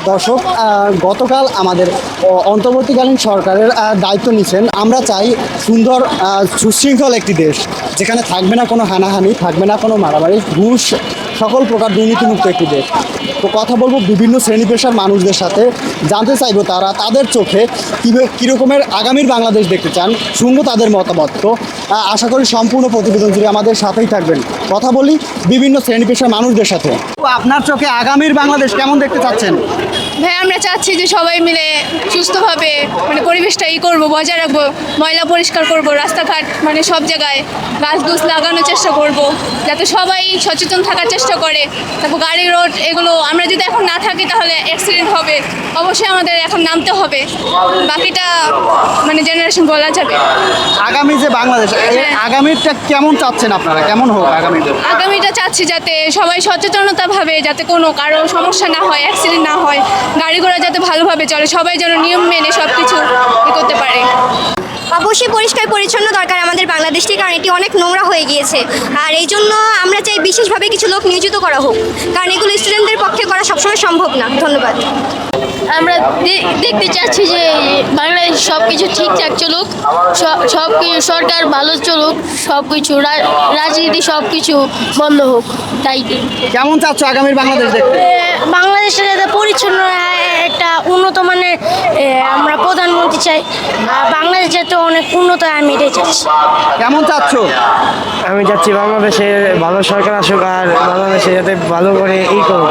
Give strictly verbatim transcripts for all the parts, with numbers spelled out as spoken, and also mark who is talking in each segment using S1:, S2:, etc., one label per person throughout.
S1: দর্শক গতকাল আমাদের অন্তর্বর্তীকালীন সরকারের দায়িত্ব নিচ্ছেন। আমরা চাই সুন্দর সুশৃঙ্খল একটি দেশ, যেখানে থাকবে না কোনো হানাহানি, থাকবে না কোনো মারামারি, ঘুষ, সকল প্রকার দুর্নীতিমুক্ত একটি দেশ। তো কথা বলবো বিভিন্ন শ্রেণী পেশার মানুষদের সাথে, জানতে চাইবো তারা তাদের চোখে কীভাবে কীরকমের আগামীর বাংলাদেশ দেখতে চান, শুনবো তাদের মতামত। তো আশা করি সম্পূর্ণ প্রতিবেদন জুড়ে আমাদের সাথেই থাকবেন। কথা বলি বিভিন্ন শ্রেণী পেশার মানুষদের সাথে। তো আপনার চোখে আগামীর বাংলাদেশ কেমন দেখতে চাচ্ছেন?
S2: ভাই আমরা চাচ্ছি যে সবাই মিলে সুস্থভাবে মানে পরিবেশটা ই করবো, বজায় রাখবো, ময়লা পরিষ্কার করব, রাস্তাঘাট মানে সব জায়গায় গাছ গুছ লাগানোর চেষ্টা করব, যাতে সবাই সচেতন থাকার চেষ্টা করে। তারপর গাড়ি রোড এগুলো আমরা যদি এখন না থাকি তাহলে অ্যাক্সিডেন্ট হবে, অবশ্যই আমাদের এখন নামতে হবে, বাকিটা মানে জেনারেশন বলা যাবে।
S1: আগামী যে বাংলাদেশ, আগামীটা কেমন চাচ্ছেন আপনারা, কেমন হোক আগামী?
S2: আগামীটা চাচ্ছি যাতে সবাই সচেতনতা ভাবে, যাতে কোনো কারো সমস্যা না হয়, অ্যাক্সিডেন্ট না হয়, গাড়ি ঘোড়া যাতে ভালোভাবে চলে, সবাই যেন নিয়ম মেনে সব কিছু ই করতে পারে।
S3: অবশ্যই পরিষ্কার পরিচ্ছন্ন দরকার আমাদের বাংলাদেশটি, কারণ এটি অনেক নোংরা হয়ে গিয়েছে। আর এই জন্য আমরা চাই বিশেষভাবে কিছু লোক নিয়োজিত করা হোক, কারণ এগুলো স্টুডেন্টদের পক্ষে করা সবসময় সম্ভব না। ধন্যবাদ।
S4: আমরা দেখতে চাচ্ছি যে বাংলাদেশ সব কিছু ঠিকঠাক চলুক, সব কিছু সরকার ভালো চলুক, সব কিছু রাজনীতি সব কিছু বন্ধ হোক। তাই
S1: কেমন চাচ্ছ আগামীর বাংলাদেশ দেখতে?
S4: বাংলাদেশের যাতে পরিচ্ছন্ন একটা উন্নত মানের আমরা প্রধানমন্ত্রী চাই, বাংলাদেশ যাতে অনেক উন্নত হয়, আমি এটাই চাচ্ছি।
S1: কেমন চাচ্ছ?
S5: আমি চাচ্ছি বাংলাদেশে ভালো সরকার আসুক, আর বাংলাদেশে যাতে ভালো করে ই করুক।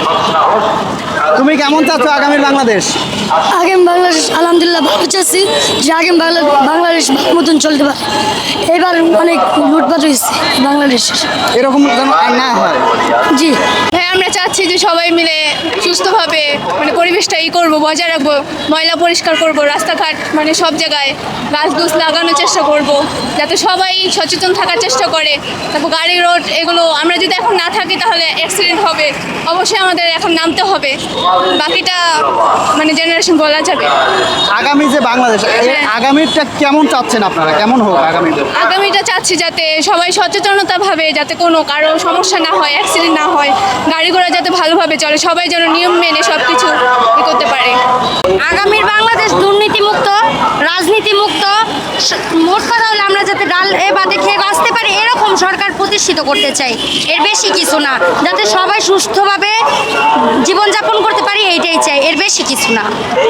S1: তুমি কেমন চাচ্ছ আগামীর বাংলাদেশ?
S4: আগামী বাংলাদেশ আলহামদুলিল্লাহ ভালো চাচ্ছি যে আগামী বাংলাদেশ ভালো মতন চলতে পারে। এবার অনেক লুটপাট হয়েছে বাংলাদেশ,
S1: এরকম যেন না হয়।
S4: জি
S2: হ্যাঁ, আমরা চাচ্ছি যে সবাই মিলে সুস্থভাবে মানে পরিবেশটা ই করবো, বজায় রাখবো, ময়লা পরিষ্কার করব, রাস্তাঘাট মানে সব জায়গায় গাছ গুছ লাগানোর চেষ্টা করব, যাতে সবাই সচেতন থাকার চেষ্টা করে। তারপর গাড়ি রোড এগুলো আমরা যদি এখন না থাকি তাহলে অ্যাক্সিডেন্ট হবে, অবশ্যই আমাদের এখন নামতে হবে, বাকিটা মানে জেনারেশন বলা যাবে।
S1: আগামী যে বাংলাদেশ, আগামীটা কেমন চাচ্ছেন আপনারা, কেমন হোক আগামী?
S2: আগামীটা চাচ্ছি যাতে সবাই সচেতনতা ভাবে, যাতে কোনো কারো সমস্যা না হয়, অ্যাক্সিডেন্ট না হয়, গাড়ি ঘোড়া যাতে ভালোভাবে চলে, সবাই যেন নিয়ম মেনে সব কিছু ই করতে পারে।
S3: আগামীর বাংলাদেশ দুর্নীতিমুক্ত, রাজনীতিমুক্ত, মোট কথা হলে আমরা যাতে ডাল এ বাদে খেয়ে বাঁচতে পারি এরকম সরকার প্রতিষ্ঠিত করতে চাই, এর বেশি কিছু না। যাতে সবাই সুস্থভাবে জীবনযাপন করতে পারি এইটাই চাই, এর বেশি কিছু না।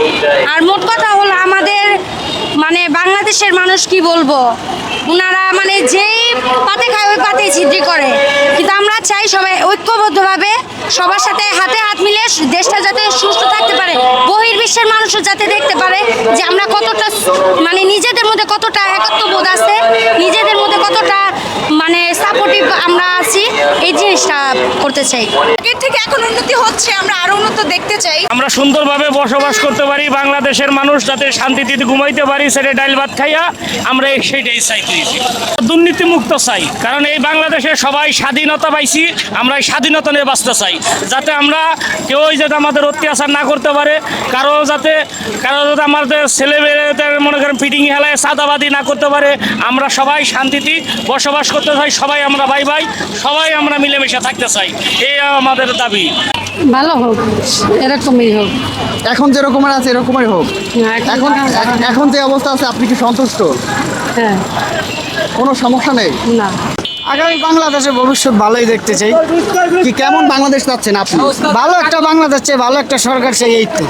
S3: আর মোট কথা হলো আমাদের মানে বাংলাদেশের মানুষ কি বলবো, ওনারা মানে যেই পাতে খায় ওই পাতেই ছিদ্রি করে, কিন্তু আমরা চাই সবাই ঐক্যবদ্ধভাবে সবার সাথে হাতে হাত মিলে দেশটা যাতে সুস্থ থাকতে পারে, বহির্বিশ্বের মানুষও যাতে দেখতে পারে যে আমরা কতটা মানে নিজেদের মধ্যে কতটা একত্ববোধ আছে, নিজেদের মধ্যে কতটা মানে সাপোর্টিভ আমরা আছি, এই জিনিসটা করতে চাই।
S2: এর থেকে এখন উন্নতি হচ্ছে, আমরা আরো উন্নত দেখতে চাই।
S6: আমরা সুন্দরভাবে বসবাস করতে পারি, বাংলাদেশের মানুষ যাতে শান্তিতে ঘুমাইতে পারি, সেটা ডাইল ভাত খাইয়া আমরা সেইটাই চাই। দুর্নীতিমুক্ত চাই, কারণ এই বাংলাদেশে সবাই স্বাধীনতা পাইছি, আমরা এই স্বাধীনতা নিয়ে বাঁচতে চাই, যাতে আমরা কেউ যাতে আমাদের অত্যাচার না করতে পারে, কারো যাতে কারো যাতে আমাদের ছেলে মেয়েদের মনে করেন ফিটিং হেলায় চাঁদাবাদি না করতে পারে। আমরা সবাই শান্তিতে বসবাস করতে চাই, সবাই আমরা ভাই ভাই সবাই আমরা মিলেমিশে থাকতে চাই, এই আমাদের দাবি।
S4: ভালো হোক, এরকমই হোক,
S1: এখন যেরকমের আছে এরকমই হোক। এখন এখন যে অবস্থা আছে আপনি কি সন্তুষ্ট?
S4: হ্যাঁ,
S1: কোনো সমস্যা নেই
S4: না।
S5: আগামী বাংলাদেশের ভবিষ্যৎ ভালোই দেখতে চাই।
S1: কি কেমন বাংলাদেশ চাচ্ছেন আপনি?
S5: ভালো একটা বাংলাদেশ চাই, ভালো একটা সরকার চাই, এই তো।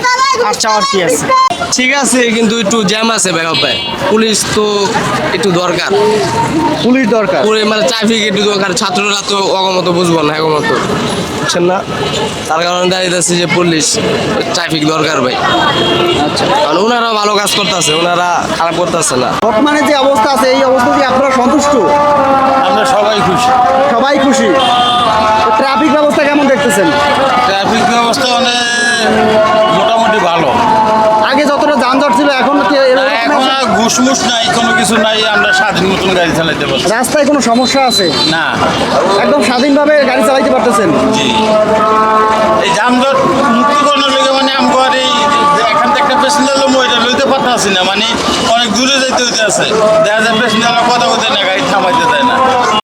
S5: আর চাওয়ার কি আছে?
S7: ঠিক আছে, কিন্তু একটু জ্যাম আছে ব্যাকআপ ভাই, পুলিশ তো একটু দরকার,
S1: পুলিশ দরকার,
S7: পুরো মানে ট্রাফিক একটু দরকার, ছাত্ররা তো অগমত বুঝবো না, একমত বুঝছেন না, তার কারণে দাঁড়িয়ে যাচ্ছে যে পুলিশ ট্রাফিক দরকার ভাই।
S1: আচ্ছা,
S7: কারণ ওনারা ভালো কাজ করতেছে, ওনারা খারাপ করতেছে না।
S1: বর্তমানে যে অবস্থা আছে এই অবস্থা কি আপনারা সন্তুষ্ট?
S8: আমরা সবাই খুশি।
S1: সবাই খুশি। ট্রাফিক ব্যবস্থা কেমন দেখতেছেন?
S8: ট্রাফিক ব্যবস্থা অনেক মোটামুটি ভালো।
S1: আগে যতটা যানজট ছিল এখন কি এরকম
S8: এখন
S1: আছে?
S8: আর ঘুষমুষ নাই, কোনো কিছু নাই, আমরা স্বাধীন মতন গাড়ি চালাইতে পারছি।
S1: রাস্তায় কোনো সমস্যা আছে
S8: না,
S1: একদম স্বাধীনভাবে গাড়ি চালাইতে পারতেছেন।
S8: জি, এই যানজট মুক্তিকরণের লেগে মানে আমার এই এখান থেকে একটা প্যাসেঞ্জার লোক ওইটা লইতে পারতেছি না, মানে অনেক দূরে যাইতে হইতে আছে, দেখা যায় প্যাসেঞ্জাররা কথা বলতে না, গাড়ি থামাইতে দেয় না।